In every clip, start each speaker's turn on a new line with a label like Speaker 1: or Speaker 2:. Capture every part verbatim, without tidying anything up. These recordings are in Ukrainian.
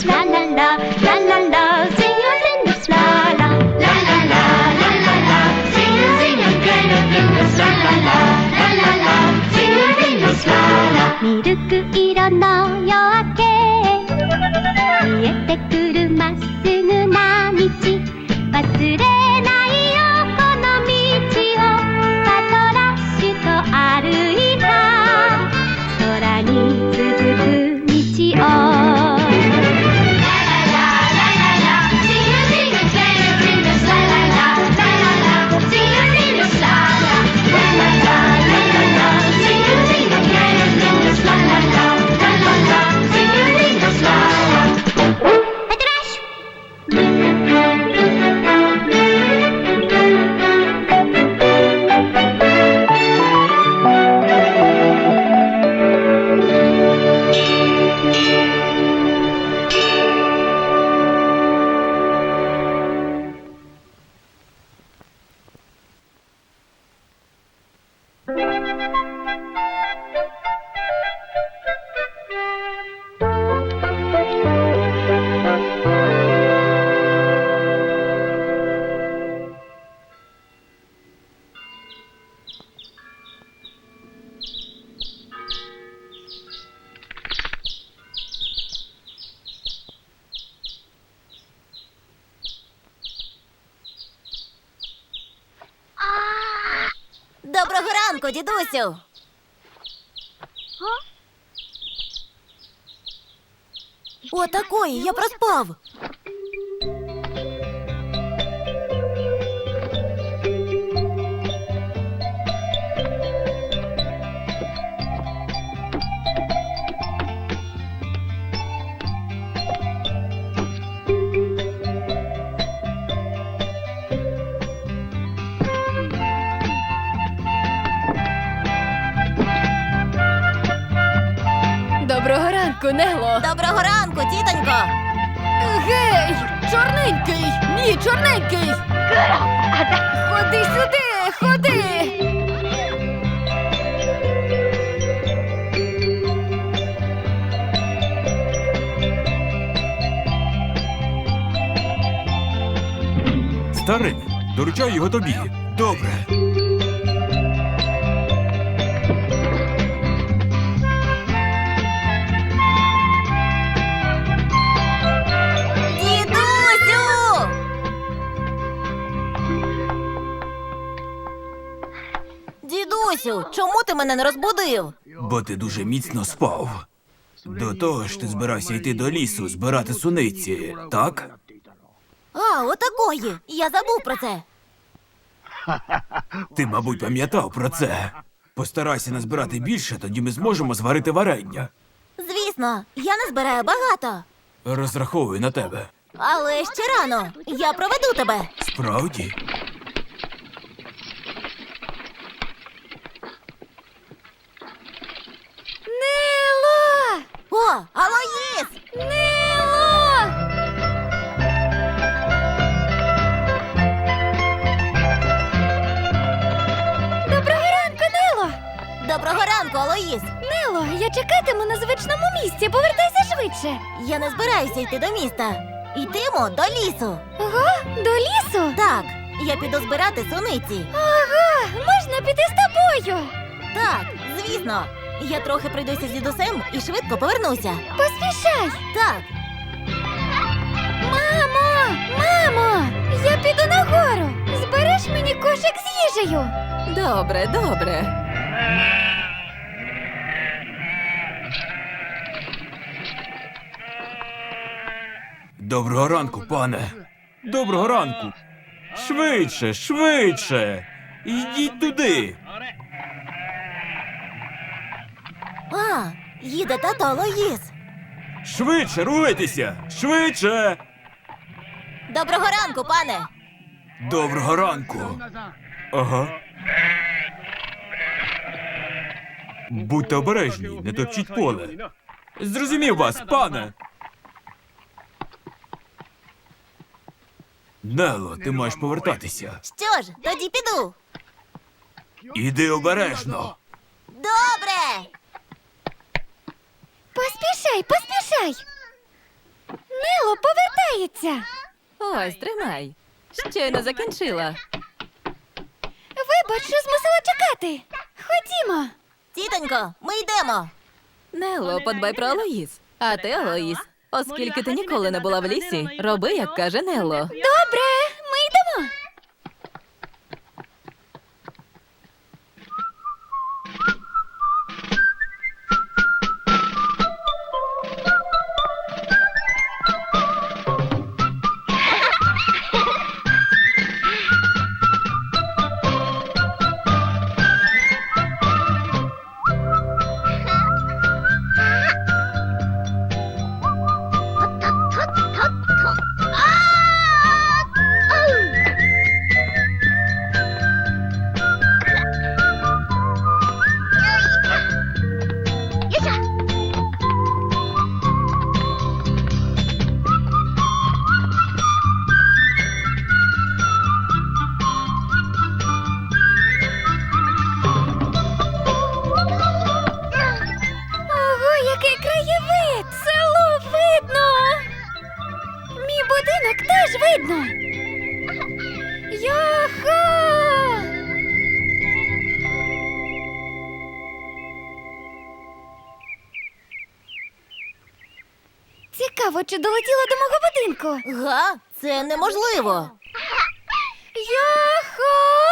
Speaker 1: la la la, la la la, sing your fingers, la la, la la la, la la la, sing your sing your fingers, la la la, la la la, sing your fingers, la la. ミルク色の夜明け見えてくるまっすぐな道忘れないよこの道をパトラッシュと歩いた空に続く道を
Speaker 2: Доброго ранку, дідусю! О, такої, я проспав.
Speaker 3: Доброго ранку, Нело!
Speaker 2: Доброго ранку, тітонько!
Speaker 3: Гей! Чорненький! Ні, чорненький! Ходи сюди! Ходи!
Speaker 4: Старий, доручаю його тобі. Добре.
Speaker 2: Дідусю! Дідусю, чому ти мене не розбудив?
Speaker 4: Бо ти дуже міцно спав. До того ж ти збирався йти до лісу, збирати суниці, так?
Speaker 2: А, отакої! Я забув про це.
Speaker 4: Ти, мабуть, пам'ятав про це. Постарайся назбирати більше, тоді ми зможемо зварити варення.
Speaker 2: Звісно, я не збираю багато.
Speaker 4: Розраховую на тебе.
Speaker 2: Але ще рано. Я проведу тебе.
Speaker 4: Справді?
Speaker 3: Нело!
Speaker 2: О, Алоїс!
Speaker 3: Нело! Доброго ранку, Нело!
Speaker 2: Доброго ранку, Алоїс!
Speaker 3: Нело, я чекатиму на звичному місці. Повертайся швидше.
Speaker 2: Я не збираюся йти до міста. Йтимо до лісу.
Speaker 3: Ого, до лісу?
Speaker 2: Так, я піду збирати суниці.
Speaker 3: Ага, можна піти з тобою.
Speaker 2: Так, звісно. Я трохи пройдуся з дідусем і швидко повернуся.
Speaker 3: Поспішай.
Speaker 2: Так,
Speaker 3: Мамо! Мамо! Я піду нагору. Збереш мені кошик з їжею.
Speaker 2: добре, добре.
Speaker 4: Доброго ранку, пане. Доброго ранку. Швидше, швидше. Йдіть туди.
Speaker 2: А, їде тато Алоїс.
Speaker 4: Швидше, руйтеся. Швидше.
Speaker 2: Доброго ранку, пане.
Speaker 4: Доброго ранку. Ага. Будьте обережні, не топчіть поле. Зрозумів вас, пане. Нело, ти маєш повертатися.
Speaker 2: Що ж, тоді піду.
Speaker 4: Іди обережно.
Speaker 2: Добре.
Speaker 3: Поспішай, поспішай. Нело повертається.
Speaker 5: Ось, тримай. Щойно закінчила.
Speaker 3: Вибач, що змусила чекати. Ходімо.
Speaker 2: Тітонько, ми йдемо.
Speaker 5: Нело, подбай про Алоїс. А ти, Алоїс, оскільки ти ніколи не була в лісі, роби, як каже Нело.
Speaker 3: Добре, ми йдемо. Ого, який краєвид! Село видно! Мій будинок теж видно! Йохо! Цікаво, чи долетіла до мого будинку?
Speaker 2: Га? Це неможливо.
Speaker 3: Йохо!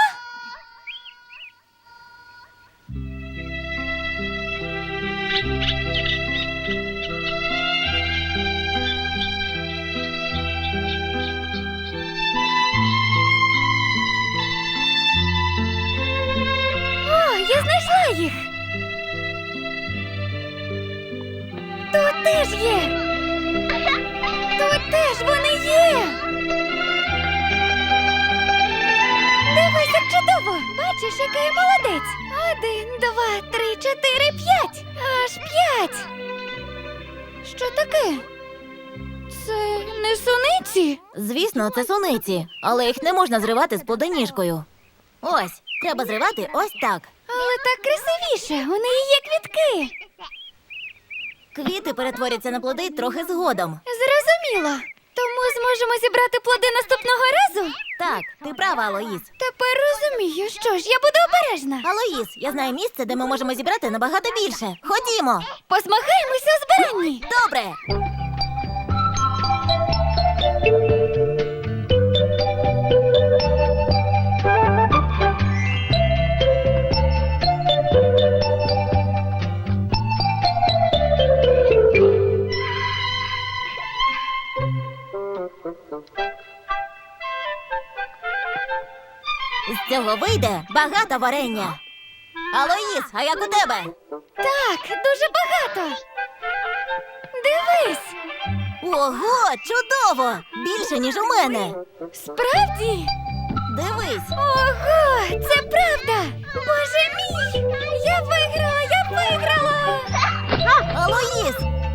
Speaker 3: О, я знайшла їх! Тут теж є! Тут теж вони є! Дивись, як чудово! Бачиш, яка я молодець! Один, два, три, чотири, п'ять! Аж п'ять! Що таке? Це не суниці?
Speaker 2: Звісно, це суниці, але їх не можна зривати з плодоніжкою. Ось, треба зривати ось так.
Speaker 3: Але так красивіше, у неї є квітки.
Speaker 2: Квіти перетворяться на плоди трохи згодом.
Speaker 3: Зрозуміло. Тому зможемо зібрати плоди наступного разу?
Speaker 2: Так, ти права, Алоїс.
Speaker 3: Тепер розумію, що ж, я буду обережна.
Speaker 2: Алоїс, я знаю місце, де ми можемо зібрати набагато більше. Ходімо.
Speaker 3: Посмахаємося у збиранні.
Speaker 2: Добре. З цього вийде багато варення. Алоїс, а як у тебе?
Speaker 3: Так, дуже багато. Дивись.
Speaker 2: Ого, чудово! Більше, ніж у мене.
Speaker 3: Справді?
Speaker 2: Дивись.
Speaker 3: Ого, це правда. Боже мій. Я виграла, я виграла.
Speaker 2: Алоїс!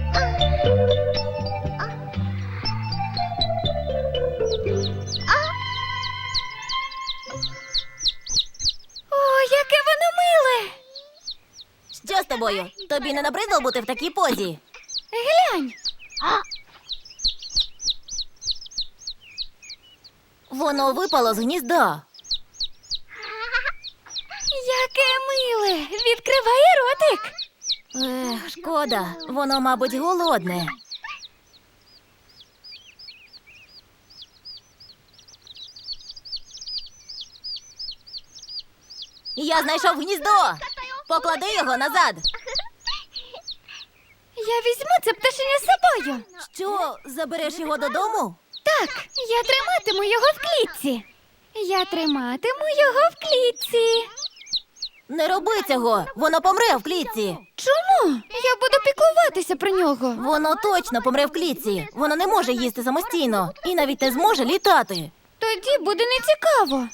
Speaker 3: О, яке воно миле.
Speaker 2: Що з тобою? Тобі не набридло бути в такій позі?
Speaker 3: Глянь.
Speaker 2: Воно випало з гнізда.
Speaker 3: Яке миле. Відкриває ротик.
Speaker 2: Ех, шкода, воно, мабуть, голодне. Я знайшов гніздо. Поклади його назад.
Speaker 3: Я візьму це пташеня з собою.
Speaker 2: Що, забереш його додому?
Speaker 3: Так, я триматиму його в клітці. Я триматиму його в клітці.
Speaker 2: Не роби цього, воно помре в клітці.
Speaker 3: Чому? Я буду піклуватися про нього.
Speaker 2: Воно точно помре в клітці. Воно не може їсти самостійно і навіть не зможе літати.
Speaker 3: Тоді буде нецікаво.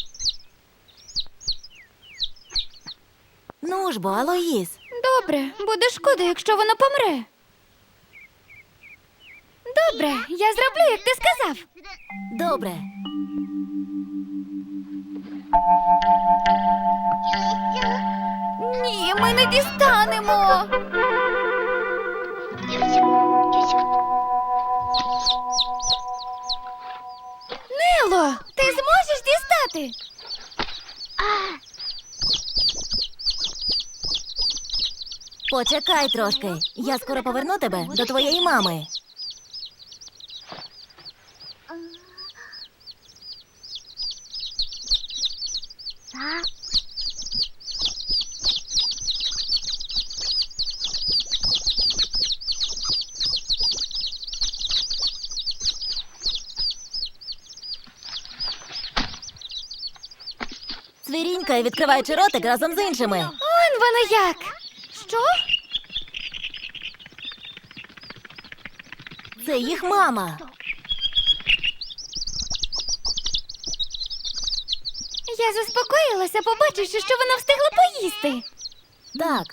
Speaker 2: Ну ж бо, Алоїс.
Speaker 3: Добре, буде шкода, якщо воно помре. Добре, я зроблю, як ти сказав.
Speaker 2: Добре.
Speaker 3: Ні, ми не дістанемо.
Speaker 2: Почекай трошки. Я скоро поверну тебе до твоєї мами. Цвірінькає, відкриваючи ротик разом з іншими.
Speaker 3: Он воно як. Що?
Speaker 2: Це їх мама.
Speaker 3: Я заспокоїлася, побачивши, що вона встигла поїсти.
Speaker 2: Так.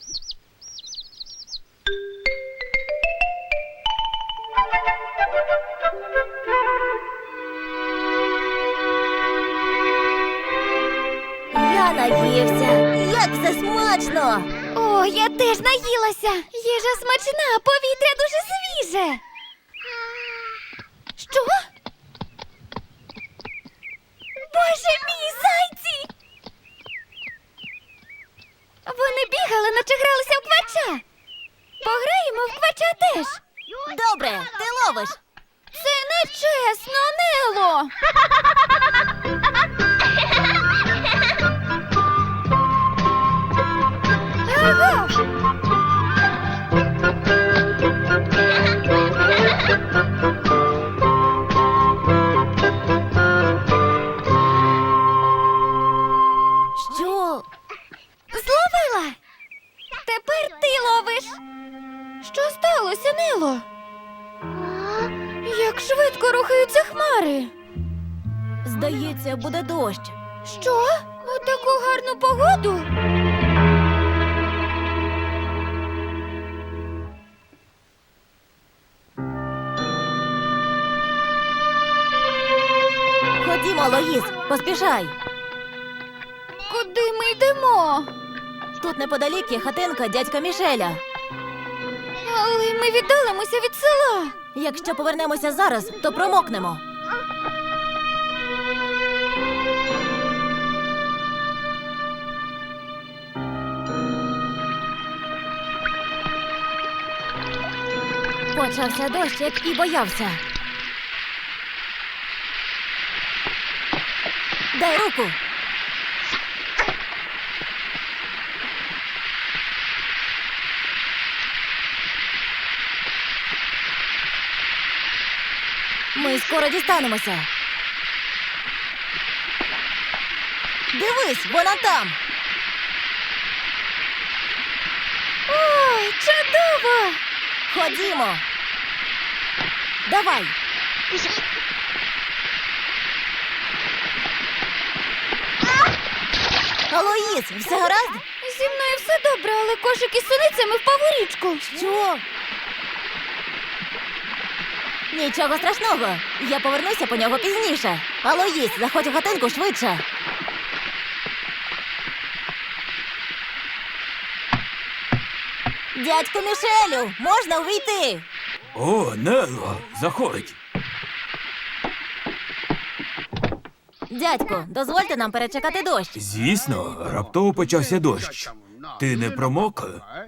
Speaker 2: Я наївся. Як це смачно!
Speaker 3: О, я теж наїлася. Їжа смачна, а повітря дуже свіже. Що? Боже мій, зайці! Вони бігали, наче гралися в квача. Пограємо в квача теж.
Speaker 2: Добре, ти ловиш.
Speaker 3: Це не чесно, Нело. Агов!
Speaker 2: Що?
Speaker 3: Зловила! Тепер ти ловиш. Що сталося, Нело? Як швидко рухаються хмари.
Speaker 2: Здається, буде дощ.
Speaker 3: Що? У таку гарну погоду?
Speaker 2: Ходімо, Лоїс, поспішай.
Speaker 3: Куди ми йдемо?
Speaker 2: Тут неподалік є хатинка дядька Мішеля.
Speaker 3: Але ми віддалимося від села.
Speaker 2: Якщо повернемося зараз, то промокнемо. Почався дощ, як і боявся. Дай руку. Ми скоро дістанемося. Дивись, вона там.
Speaker 3: Ой, чудово!
Speaker 2: Ходімо. Давай. Алоїс, все гаразд?
Speaker 3: Зі мною все добре, але кошик із суницями впав у річку.
Speaker 2: Що? Нічого страшного. Я повернуся по нього пізніше. Алоїс, заходь у хатинку швидше. Дядьку Мішелю, можна увійти?
Speaker 4: О, Нело, заходь.
Speaker 2: Дядьку, дозвольте нам перечекати дощ.
Speaker 4: Звісно, раптово почався дощ. Ти не промок?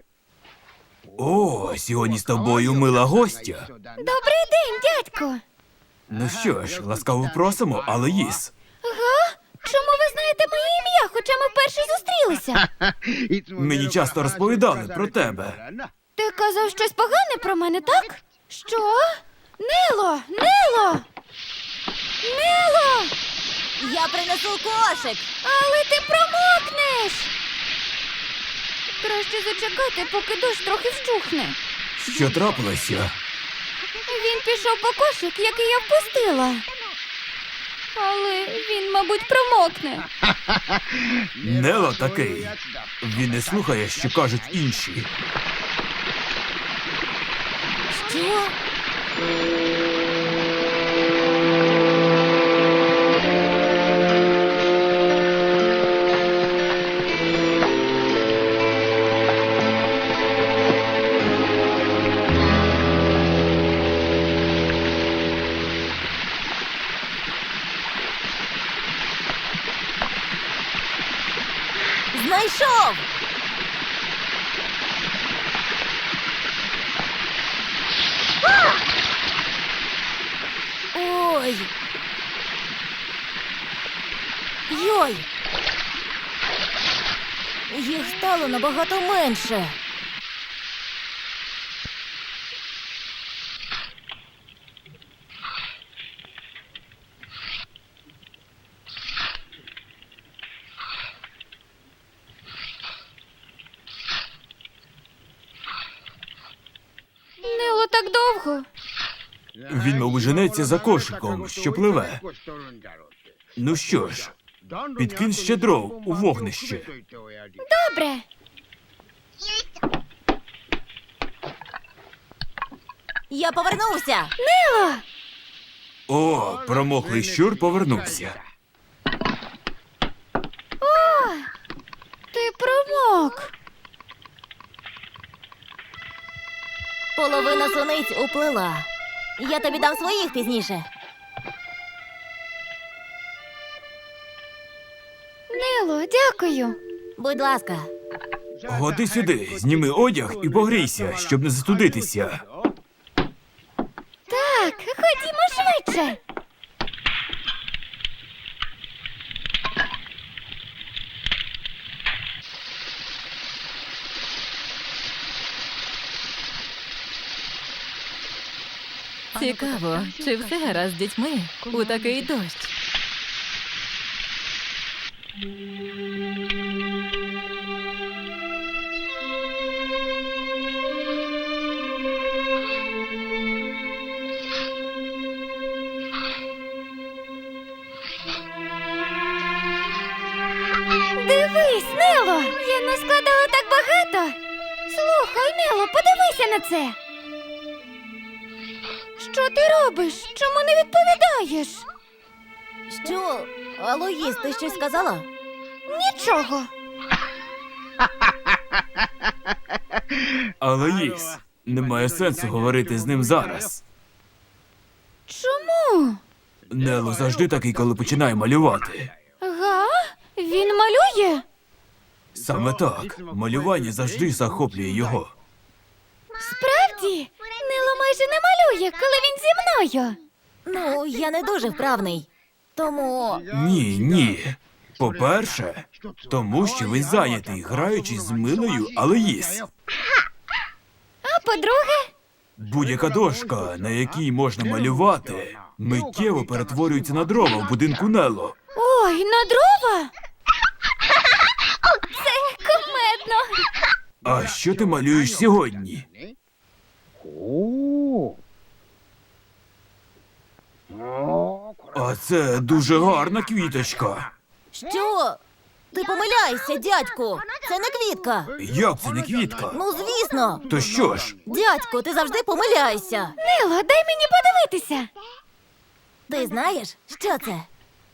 Speaker 4: О, сьогодні з тобою мила гостя.
Speaker 3: Добрий день, дядько.
Speaker 4: Ну що ж, ласкаво просимо, Алоїс.
Speaker 3: Га? Чому ви знаєте моє ім'я, хоча ми вперше зустрілися?
Speaker 4: Мені часто розповідали про тебе.
Speaker 3: Ти казав щось погане про мене, так? Що? Нело! Нело! Нело!
Speaker 2: Я принесу кошик.
Speaker 3: Але ти промокнеш! Краще зачекати, поки дощ трохи вщухне.
Speaker 4: Що трапилося?
Speaker 3: Він пішов по кошик, який я впустила. Але він, мабуть, промокне.
Speaker 4: Нело такий. Він не слухає, що кажуть інші.
Speaker 2: Що? Знайшов! Йой! Йой! Їх стало набагато менше.
Speaker 3: Нело так довго.
Speaker 4: Він, мабуть, женеться за кошиком, що пливе. Ну що ж, підкинь ще дров у вогнище.
Speaker 3: Добре.
Speaker 2: Я повернувся.
Speaker 3: Нело!
Speaker 4: О, промоклий щур повернувся.
Speaker 3: Ти промок.
Speaker 2: Половина суниць уплила. Я тобі дам своїх пізніше.
Speaker 3: Нело, дякую.
Speaker 2: Будь ласка.
Speaker 4: Годи сюди, зніми одяг і погрійся, щоб не застудитися.
Speaker 3: Так, ходімо швидше.
Speaker 5: Цікаво, чи все гаразд з дітьми у такий дощ?
Speaker 3: Дивись, Нело! Я наскладала так багато. Слухай, Нело, подивися на це. Що ти робиш? Чому не відповідаєш?
Speaker 2: Що? Алоїс, ти щось сказала?
Speaker 3: Нічого.
Speaker 4: Алоїс, немає сенсу говорити з ним зараз.
Speaker 3: Чому?
Speaker 4: Нело завжди такий, коли починає малювати.
Speaker 3: Га? Він малює?
Speaker 4: Саме так, малювання завжди захоплює його.
Speaker 3: Справді? Нело майже не малює, коли він зі мною.
Speaker 2: Ну, я не дуже вправний. Тому
Speaker 4: Ні, ні. По-перше, тому що ви зайнятий, граючи з милою Алоїс.
Speaker 3: А по-друге,
Speaker 4: Будь-яка дошка, на якій можна малювати, миттєво перетворюється на дрова в будинку Нело.
Speaker 3: ой, на дрова? Це кумедно.
Speaker 4: А що ти малюєш сьогодні? А це дуже гарна квіточка.
Speaker 2: що? Ти помиляєшся, дядьку. Це не квітка.
Speaker 4: Як це не квітка?
Speaker 2: Ну, звісно.
Speaker 4: То що ж?
Speaker 2: Дядьку, ти завжди помиляєшся.
Speaker 3: Нело, дай мені подивитися.
Speaker 2: Ти знаєш, що це?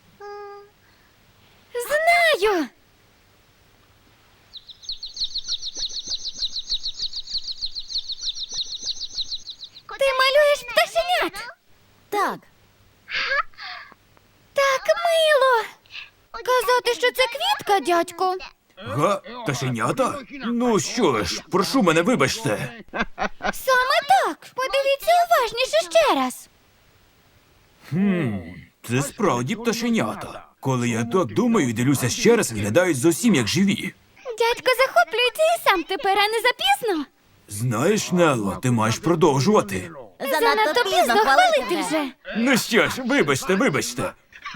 Speaker 3: Знаю. Ти малюєш пташенят.
Speaker 2: Так.
Speaker 3: Так мило. Казати, що це квітка, дядьку.
Speaker 4: Га? Пташенята? Ну що ж, прошу мене, вибачте.
Speaker 3: Саме так. Подивіться уважніше ще раз.
Speaker 4: Хм, це справді пташенята. Коли я так думаю і дивлюся ще раз, виглядають зовсім як живі.
Speaker 3: Дядько захоплюється і сам тепер, а не запізно.
Speaker 4: Знаєш, Нелло, ти маєш продовжувати.
Speaker 2: Занадто пізно хвалити
Speaker 3: хвалити
Speaker 2: вже.
Speaker 3: вже.
Speaker 4: Ну що ж, вибачте, вибачте.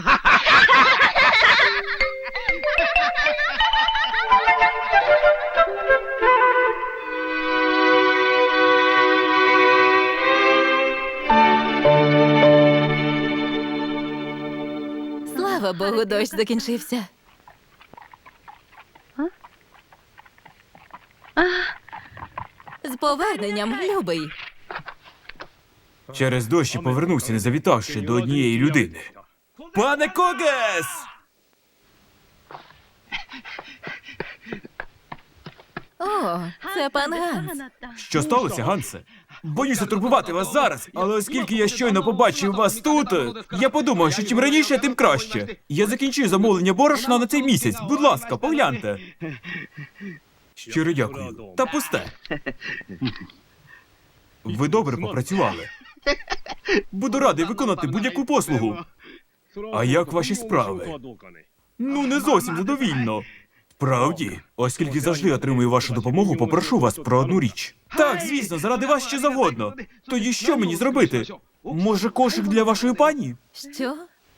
Speaker 5: Слава Богу, дощ закінчився. З поверненням, любий.
Speaker 4: Через дощ я повернувся, не завітавши до однієї людини. Пане Когес!
Speaker 5: О, це пан Ганс.
Speaker 4: Що сталося, Гансе? Боюся турбувати вас зараз, але оскільки я щойно побачив вас тут, я подумав, що чим раніше, тим краще. Я закінчую замовлення борошна на цей місяць. Будь ласка, погляньте. Щиро дякую. Та пусте. Ви добре попрацювали. Буду радий виконати будь-яку послугу. А як ваші справи? Ну, не зовсім задовільно. Правді, оскільки завжди отримую вашу допомогу, попрошу вас про одну річ. Так, звісно, заради вас що завгодно. Тоді що мені зробити? Може, кошик для вашої пані?
Speaker 5: Що?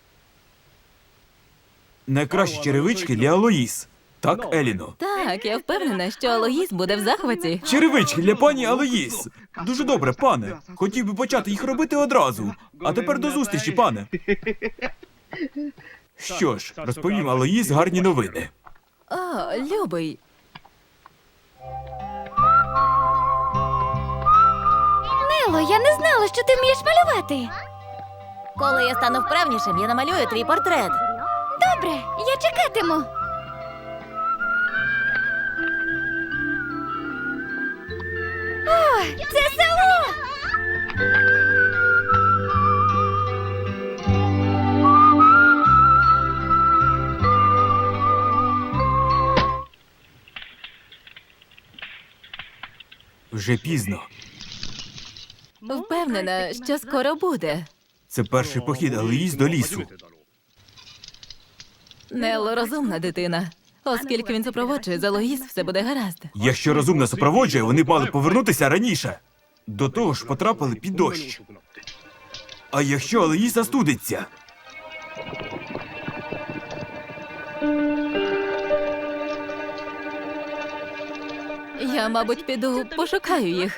Speaker 4: Найкращі черевички для Алоїс. Так, Еліно?
Speaker 5: Так, я впевнена, що Алоїс буде в захваті.
Speaker 4: Черевички для пані Алоїс. Дуже добре, пане. Хотів би почати їх робити одразу. А тепер до зустрічі, пане. Що ж, розповім Алоїс гарні новини.
Speaker 5: О, любий.
Speaker 3: Нело, я не знала, що ти вмієш малювати.
Speaker 2: Коли я стану вправнішим, я намалюю твій портрет.
Speaker 3: Добре, я чекатиму. О, це село!
Speaker 4: Вже пізно.
Speaker 5: Впевнена, що скоро буде.
Speaker 4: Це перший похід Алоїс до лісу.
Speaker 5: Нелло розумна дитина. Оскільки він супроводжує за Алоїс, все буде гаразд.
Speaker 4: Якщо розумно супроводжує, вони б мали повернутися раніше. До того ж потрапили під дощ. А якщо Алоїс застудиться?
Speaker 5: Я, мабуть, піду пошукаю їх.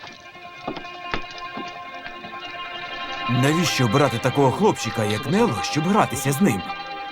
Speaker 4: Навіщо обирати такого хлопчика, як Нело, щоб гратися з ним?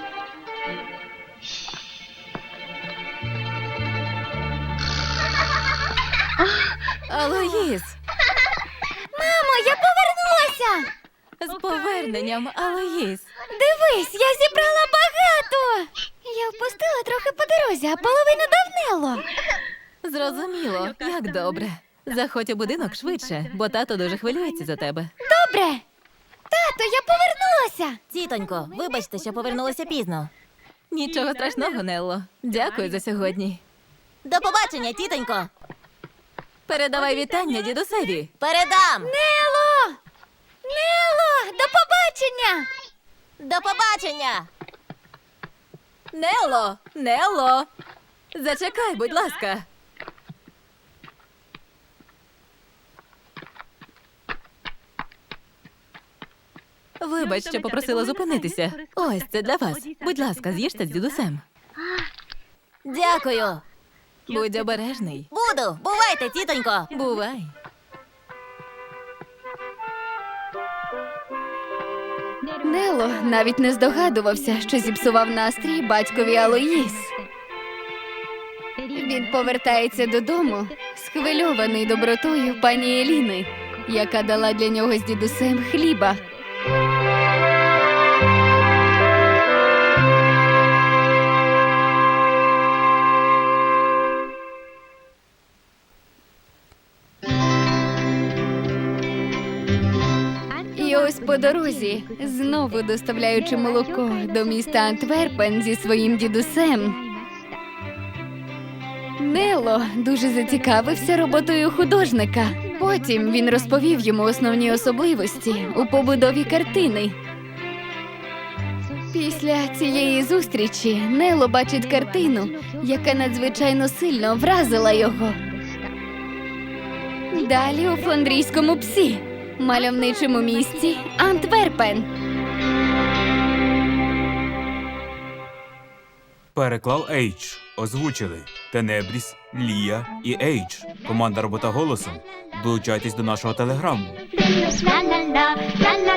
Speaker 5: Алоїс!
Speaker 3: Мамо, я повернулася!
Speaker 5: З поверненням, Алоїс!
Speaker 3: Дивись, я зібрала багато! Я впустила трохи по дорозі, а половину дав Нело.
Speaker 5: Зрозуміло, як добре. Заходь у будинок швидше, бо тато дуже хвилюється за тебе.
Speaker 3: Добре! Тато, я повернулася!
Speaker 2: Тітонько, вибачте, що повернулися пізно.
Speaker 5: Нічого страшного, Нелло. Дякую за сьогодні.
Speaker 2: До побачення, тітонько.
Speaker 5: Передавай вітання дідусеві.
Speaker 2: Передам.
Speaker 3: Нело! Нело! До побачення!
Speaker 2: До побачення.
Speaker 5: Нелло! Нелло! Зачекай, будь ласка. Вибач, що попросила зупинитися. Ось, це для вас. Будь ласка, з'їжте з дідусем.
Speaker 2: Дякую.
Speaker 5: Будь обережний.
Speaker 2: Буду. Бувайте, тітонько.
Speaker 5: Бувай.
Speaker 3: Нело навіть не здогадувався, що зіпсував настрій батькові Алоїс. Він повертається додому, схвильований добротою пані Еліни, яка дала для нього з дідусем хліба. І ось по дорозі, знову доставляючи молоко до міста Антверпен зі своїм дідусем, Нело дуже зацікавився роботою художника. Потім він розповів йому основні особливості у побудові картини. Після цієї зустрічі Нело бачить картину, яка надзвичайно сильно вразила його. Далі у фландрійському псі, мальовничому місті Антверпен.
Speaker 4: Переклав Ейдж. Озвучили Тенебріс, Лія і Ейдж. Команда робота голосом. Долучайтесь до нашого телеграму.
Speaker 1: La la la, la la